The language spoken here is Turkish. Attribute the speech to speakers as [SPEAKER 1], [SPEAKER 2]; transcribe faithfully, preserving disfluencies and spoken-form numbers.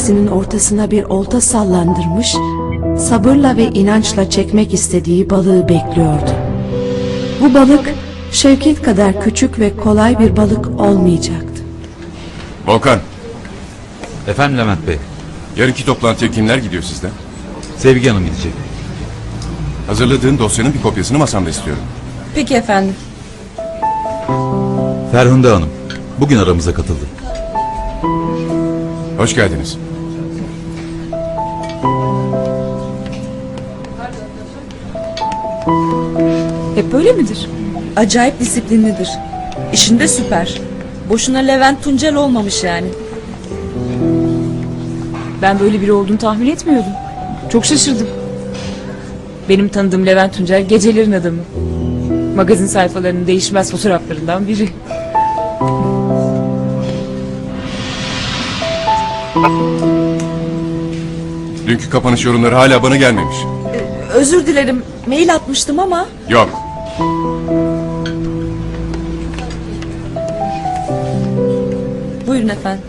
[SPEAKER 1] denizinin ortasına bir olta sallandırmış, sabırla ve inançla çekmek istediği balığı bekliyordu. Bu balık Şevket kadar küçük ve kolay bir balık olmayacaktı.
[SPEAKER 2] Volkan,
[SPEAKER 3] Efendim Levent Bey,
[SPEAKER 2] yarınki toplantıya kimler gidiyor sizden?
[SPEAKER 3] Sevgi Hanım gidecek.
[SPEAKER 2] Hazırladığın dosyanın bir kopyasını masamda istiyorum.
[SPEAKER 4] Peki efendim.
[SPEAKER 3] Ferhunde Hanım, bugün aramıza katıldı.
[SPEAKER 2] Hoş geldiniz.
[SPEAKER 4] Hep böyle midir? Acayip disiplinlidir. İşinde süper. Boşuna Levent Tuncel olmamış yani.
[SPEAKER 5] Ben böyle biri olduğunu tahmin etmiyordum. Çok şaşırdım. Benim tanıdığım Levent Tuncel gecelerin adamı. Magazin sayfalarının değişmez fotoğraflarından biri.
[SPEAKER 2] Dünkü kapanış yorumları hala bana gelmemiş.
[SPEAKER 4] Özür dilerim. Mail atmıştım ama.
[SPEAKER 2] Yok.
[SPEAKER 4] Buyurun efendim.